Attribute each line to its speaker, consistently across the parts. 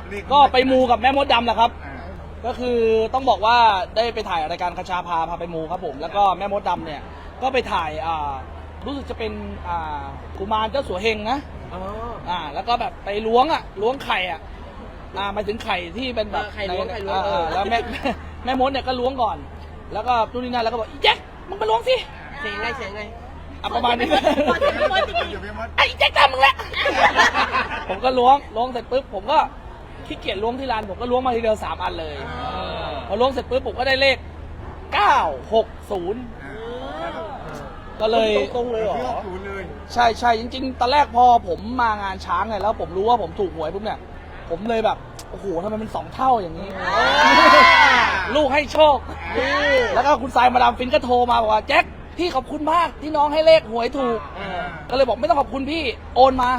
Speaker 1: ก็ไปมูกับแม่มดดำแหละครับก็คือต้องบอกว่าได้ไปถ่ายรายการคชาพาไปมูครับผมแล้วก็แม่มดดำเนี่ยก็ไปถ่ายรู้สึกจะเป็นกุมารเจ้าสัวเฮงนะแล้วก็แบบไปล้วงไข่มาถึงไข่ที่เป็นแบบไข่ล้วงแล้วแม่มดเนี่ยก็ล้วงก่อนแล้วก็นู่นนี่นั่นแล้วก็บอกอีแจ็คมึงไปล้วงสิ
Speaker 2: เสียงไง
Speaker 1: ประมาณนี้ไอ้แจ็คทำมึงแหละผมก็ล้วงเสร็จปุ๊บผมก็ขี้เกียจล้วงที่ร้านผมก็ล้วงมาทีเดียว3 อันเลยพอล้วงเสร็จปุ๊บผมก็ได้เลข960ก็เลย
Speaker 2: ตรงเลยเหรอ
Speaker 1: ใช่จริงๆตอนแรกพอผมมางานช้างไงแล้วผมรู้ว่าผมถูกหวยปุ๊บเนี่ยผมเลยแบบโอ้โหทำไมมัน2 เท่าอย่างนี้ลูกให้โชคแล้วก็คุณสายมาดามฟินก็โทรมาบอกว่าแจ็คพี่ขอบคุณมากที่น้องให้เลขหวยถูกก็เลยบอกไม่ต้องขอบคุณพี่โอนมา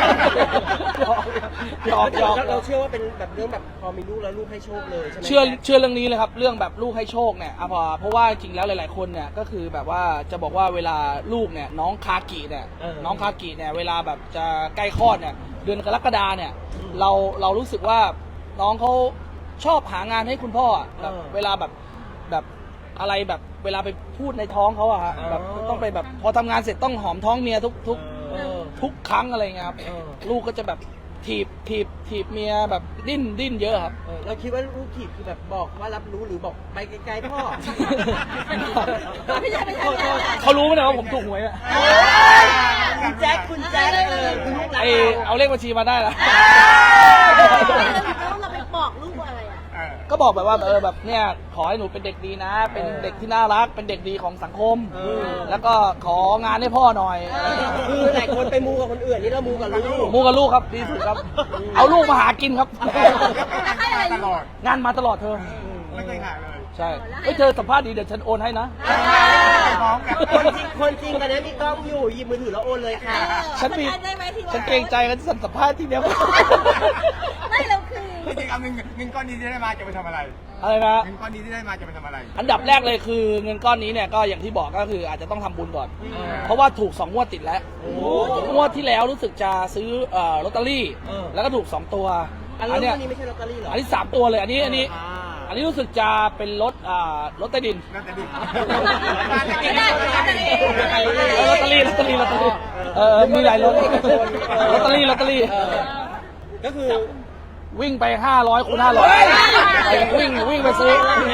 Speaker 1: หยอก
Speaker 2: เราเชื่อว่าเป็นแบบเรื่องแบบพอมีลูกแล้วลูกให้โชคเลยใช่ไหม
Speaker 1: เชื่อเรื่องนี้เลยครับเรื่องแบบลูกให้โชคเนี่ยเพราะว่าจริงแล้วหลายๆคนเนี่ยก็คือแบบว่าจะบอกว่าเวลาลูกเนี่ยน้องคากิเนี่ยเวลาแบบจะใกล้คลอดเนี่ยเดือนกรกฎาเนี่ยเรารู้สึกว่าน้องเขาชอบหางานให้คุณพ่อแบบเวลาแบบอะไรแบบเวลาไปพูดในท้องเขาอะฮะแบบต้องไปแบบพอทำงานเสร็จต้องหอมท้องเมียทุกครั้งอะไรเงี้ยครับลูกก็จะแบบถีบเมียแบบดิ้นเยอะครับ
Speaker 2: เราคิดว่าลูกถีบคือแบบบอกว่ารับรู้หรือบอกไปไกลๆพ่อ
Speaker 1: เขารู้ไหมเนี่ยว่าผมถูกหวยอะ
Speaker 2: คุณแจ็ค
Speaker 1: เอาเลขบัญชีมาได้ละ
Speaker 3: เราไปบอกลูกอะไรอ่ะ
Speaker 1: ก็บอกแบบว่าแบบเนี่ยขอให้หนูเป็นเด็กดีนะเป็นเด็กที่น่ารักเป็นเด็กดีของสังคมแล้วก็ของานให้พ่อหน่อย
Speaker 2: คือหลายคนไปมูกับคนอื่นนี่เรามูกับ
Speaker 1: ลูกครับดีสุดครับเอาลูกมาหากินครับ
Speaker 4: ตลอด
Speaker 1: งานมาตลอดเธอ
Speaker 4: ไม่เคยขาดเลย
Speaker 1: ใช่เธอสัมภาษณ์ดีเดี๋ยวฉันโอนให้นะ
Speaker 2: คนจริงตอนนี้มีกล้องอยู่หยิบมือถือแล้วโอนเลยค่ะ
Speaker 1: ฉันเกรงใจกันสัมภาษณ์ที่เดียว
Speaker 3: ไม่เราคือ
Speaker 4: จริงๆเอาเงินก้อนนี้ที่ได้มาจะไปทำอะไร
Speaker 1: นะ
Speaker 4: เงินก้อนนี้ที่ได้มาจะไปทำอะไร
Speaker 1: อันดับแรกเลยคือเงินก้อนนี้เนี่ยก็อย่างที่บอกก็คืออาจจะต้องทำบุญก่อนเพราะว่าถูก2 งวดติดแล้วงวดที่แล้วรู้สึกจะซื้อลอตเตอรี่แล้วก็ถูก2 ตัว
Speaker 2: อันนี้ไม่ใช่ลอตเตอรี่หรอ
Speaker 1: อันนี้3 ตัวเลยอันนี้รู้สึกจะเป็นรถใต้ดินลอตเตอรี่มีหลายรถลอตเตอรี่
Speaker 2: ก็คือ
Speaker 1: วิ่งไป500 คูณ 500วิ่งไปซื้อ
Speaker 3: 2 งวด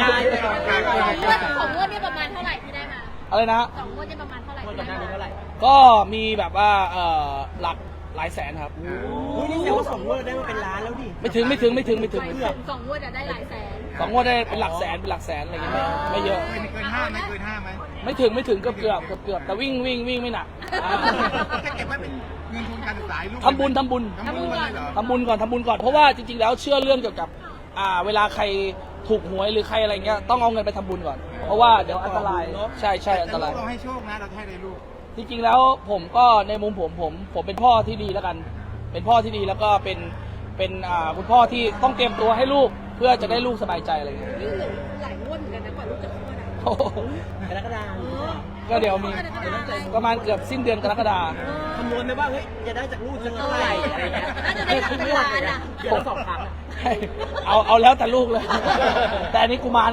Speaker 3: นี่ประมาณเท่าไหร่ที่ได้มา
Speaker 1: อะไรนะ
Speaker 3: 2 งวดนี่ประมาณเท่าไหร่
Speaker 1: ก็มีแบบว่าหลายแสนครับ
Speaker 2: นี่แสดงว่า2 งวดได้มาเป็นล้านแล้วดิ
Speaker 1: ไม่ถึง
Speaker 3: 2 งวดจะได้หลายแสน
Speaker 1: 2 งวดได้เป็นหลักแสนอะไรอย่างเงี้ยไม่เยอะ
Speaker 4: เกิน5ไหม
Speaker 1: ไม่ถึงเกือบแต่วิ่งไม่หนัก
Speaker 4: แค่เก็บไว้เป็นเงินทุนการศึกษาลูก
Speaker 1: ทำบุญก่อนเพราะว่าจริงๆแล้วเชื่อเรื่องเกี่ยวกับเวลาใครถูกหวยหรือใครอะไรเงี้ยต้องเอาเงินไปทำบุญก่อนเพราะว่าเดี๋ยวอันตรายใช่อันตราย
Speaker 4: เราให้โชคนะเราให้เลยลูก
Speaker 1: จริงๆแล้วผมก็ในมุมผมเป็นพ่อที่ดีแล้วกันเป็นพ่อที่ดีแล้วก็เป็นคุณพ่อที่ต้องเตรียมตัวให้ลูกเพื่อจะได้ลูกสบายใจอะไรเงี้ย
Speaker 3: หลายงวดเหมือนกันนะกว่าลูกจะคลอด
Speaker 2: กรกฎาคม
Speaker 1: ก็เดี๋ยวมีประมาณเกือบสิ้นเดือนกรกฎา
Speaker 2: คำนวณไหมว่าเฮ้ยจะได้จากลูกจะเท่าไหร่อะไรเงี้ย
Speaker 3: น่าจะได้เป็นล้านอ่ะ
Speaker 2: เดี๋ยว2 ครั้ง
Speaker 1: เอาแล้วแต่ลูกเลยแต่อันนี้กุมาร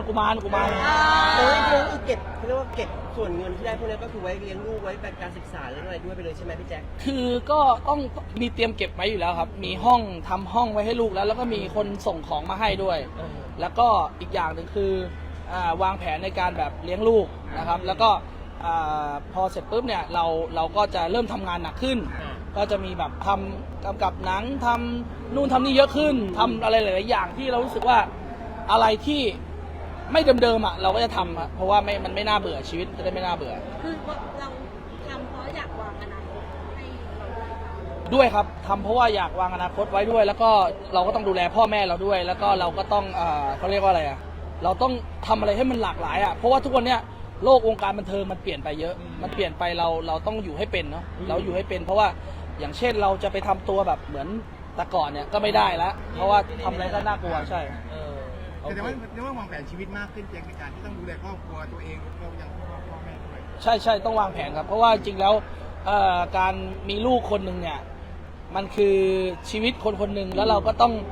Speaker 2: เก็บเขาเรียกว่าเก็บส่วนเงินที่ได้พวกนี้ก็คือไว้เลี้ยงลูกไว้แบบการศึกษาแล้วอะไรด้วยไปเลยใช่ไหมพี่แจ็ค
Speaker 1: คือก็ต้องมีเตรียมเก็บไว้อยู่แล้วครับมีทำห้องไว้ให้ลูกแล้วก็มีคนส่งของมาให้ด้วยแล้วก็อีกอย่างหนึ่งคือวางแผนในการแบบเลี้ยงลูกนะครับแล้วก็พอเสร็จปุ๊บเนี่ยเราก็จะเริ่มทำงานหนักขึ้นก็จะมีแบบทำกำกับหนังทำนู่นทำนี่เยอะขึ้นทำอะไรหลายๆอย่างที่เรารู้สึกว่าอะไรที่ไม่เดิมๆเราก็จะทำเพราะว่ามันไม่น่าเบื่อชีวิตจะได้ไม่น่าเบื่อ
Speaker 3: คือเราทำเพราะอยากวางอนาคตให้
Speaker 1: ด้วยครับทำเพราะว่าอยากวางอนาคตไว้ด้วยแล้วก็เราก็ต้องดูแลพ่อแม่เราด้วยแล้วก็เราก็ต้องเขาเรียกว่าอะไรเราต้องทำอะไรให้มันหลากหลายเพราะว่าทุกวันเนี้ยโลกวงการบันเทิงมันเปลี่ยนไปเยอะมันเปลี่ยนไปเราต้องอยู่ให้เป็นเนาะเราอยู่ให้เป็นเพราะว่าอย่างเช่นเราจะไปทำตัวแบบเหมือนแต่ก่อนเนี่ยก็ไม่ได้แล้วเพราะว่าทำอะไรก็น่ากลัวใช่
Speaker 4: แต่ว่าวางแผนชีวิตมากขึ้นเพียงในการที่ต้องดูแลครอบครัวตัวเองเรายังพ่อแม่ด้วย
Speaker 1: ใช่ต้องวางแผนครับเพราะว่าจริงแล้วการมีลูกคนหนึ่งเนี่ยมันคือชีวิตคนหนึ่งแล้วเราก็ต้อง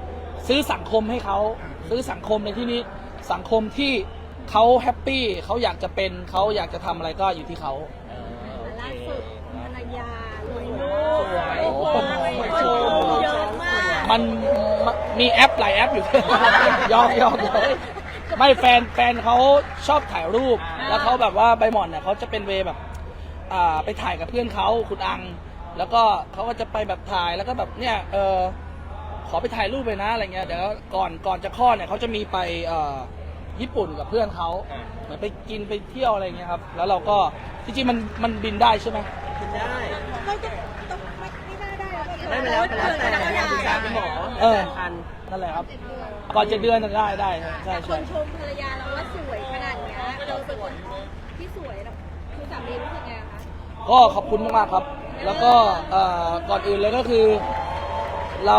Speaker 1: ซื้อสังคมให้เขาซื้อสังคมในที่นี้สังคมที่เขาแฮปปี้เขาอยากจะเป็นเขาอยากจะทำอะไรก็อยู่ที่เขา
Speaker 3: ล่าสุดภรรยาลงรูป
Speaker 2: สวย
Speaker 3: โอ้โห
Speaker 2: สวย
Speaker 3: เยอะมาก
Speaker 1: มันมีแอปหลายแอปอยู่ ยอมไม่แฟนเขาชอบถ่ายรูป แล้วเขาแบบว่าใบหม่อนเนี่ยเขาจะเป็นเวย์แบบไปถ่ายกับเพื่อนเขาคุณอัง แล้วก็เขาก็จะไปแบบถ่ายแล้วก็แบบเนี่ยขอไปถ่ายรูปไปนะอะไรเงี้ยเดี๋ยวก่อนจะคลอดเนี่ยเขาจะมีไปญี่ปุ่นกับเพื่อนเขาเหมือนไปกินไปเที่ยวอะไรเงี้ยครับแล้วเราก็จริงๆมันบินได้ใช่ไหม
Speaker 2: กินได้
Speaker 3: เราจะต้องไม่ได้
Speaker 2: ได้มาแล้วแต่ปรึกษาคุณหมอ
Speaker 1: ทันนั่นแหละครับก่อนจะเดือนจะได้ใช่
Speaker 3: แต่คนชมภรรยาเราว่าสวยขนาดเนี้ยเราเป็นคนที่สวยนะคุณสามีรู้สึกไงคะ
Speaker 1: ก็ขอบคุณมากๆครับ แล้วก็ก่อนอื่นเลยก็คือเรา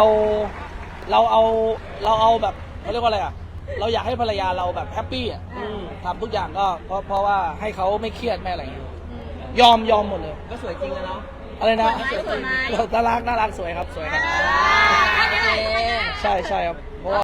Speaker 1: เอาแบบเขาเรียกว่าอะไรอ่ะเราอยากให้ภรรยาเราแบบแฮปปี้อ่ะทำทุกอย่างก็เพราะว่าให้เขาไม่เครียดไม่อะไรอย่างเงี้ยยอมหมดเลย
Speaker 2: ก็สวยจริงแล้วเนาะ
Speaker 1: อะไรนะ
Speaker 3: สวยไหม
Speaker 1: น่ารักสวยครับสวยครับ
Speaker 3: อ่า
Speaker 1: ใช่ครับเพราะว่า